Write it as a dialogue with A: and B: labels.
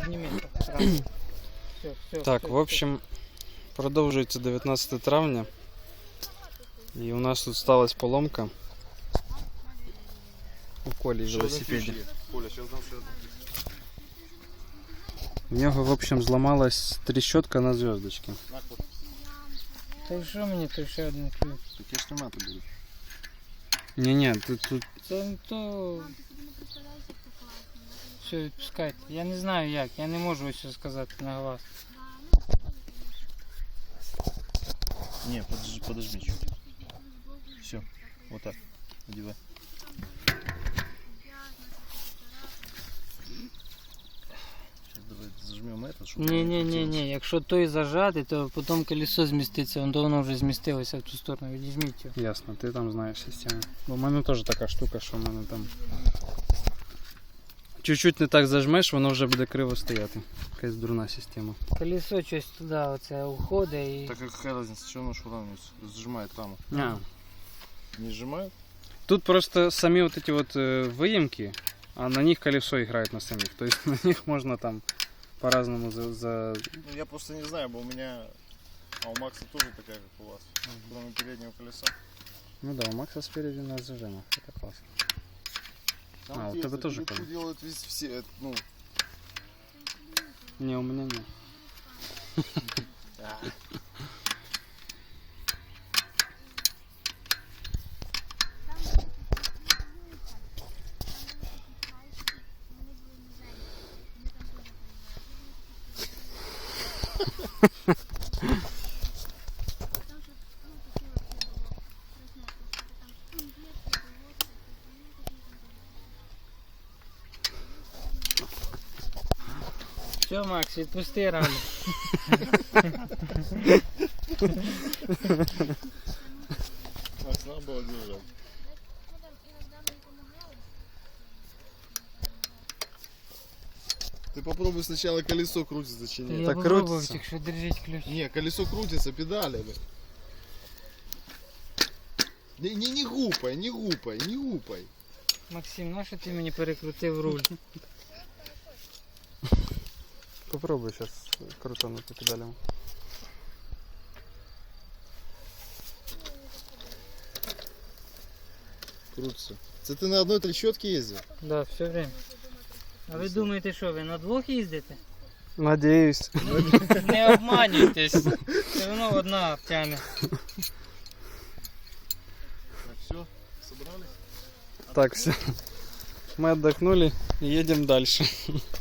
A: Так, в общем, продовжується 19 травня. І у нас тут сталася поломка у Колі в велосипеді. В нього, в общем, зламалась трещотка на зв'язочці.
B: Та що мені, то ще один ключ?
C: Таке ж нема тобі.
A: Ні, тут...
B: Це не то... Все, відпускайте. Я не знаю як, я не можу ось сказати на глаз.
C: Не, подожди чуть. Все, вот так. Одевай. Сейчас давай зажмем это, чтобы...
B: Ні, якщо той зажати, то потім колесо зміститься, воно вже змістилося в ту сторону, відізьміть його.
A: Ясно, ти там знаєш систему. Бо в мене теж така штука, що в мене там... Чуть-чуть не так зажмеш, воно вже буде криво стояти. Якась дурна система.
B: Колесо щось туди оце уходить і...
C: Так какая разница, что оно шуравнивается? Сжимает раму. Не сжимает?
A: Тут просто самі вот эти вот выемки, а на них колесо играет на самих. То есть на них можно там по-разному
C: Ну, я просто не знаю, бо у меня... А у Макса тоже такая, как у вас. Кроме переднего колеса.
A: Ну да, у Макса спереди на зажимах. Это классно.
C: Там
A: А, у тебя тоже
C: колесо делают все, ну...
A: Не, у меня нет.
B: Все, Макс, відпусти раму.
C: Макс, надо было держать. Ты попробуй сначала колесо крутится, чи нет.
B: Я
A: Так
B: попробував,
A: крутиться.
B: тільки що держіть ключ.
C: Не, колесо крутится педалями. Не гупай, не гупай, не гупай.
B: Максим, нащо ти мені перекрутив руль?
A: Попробуй сейчас крутануть педалями.
C: Крутится. Це ти на одной трещотке ездил?
B: Да, все время. А ви думаєте, що ви на двох їздите?
A: Надеюсь.
B: Не обманюйтесь. Все одно одна тягне.
C: Так, все, собрались?
A: Так, все. Мы отдохнули и едем дальше.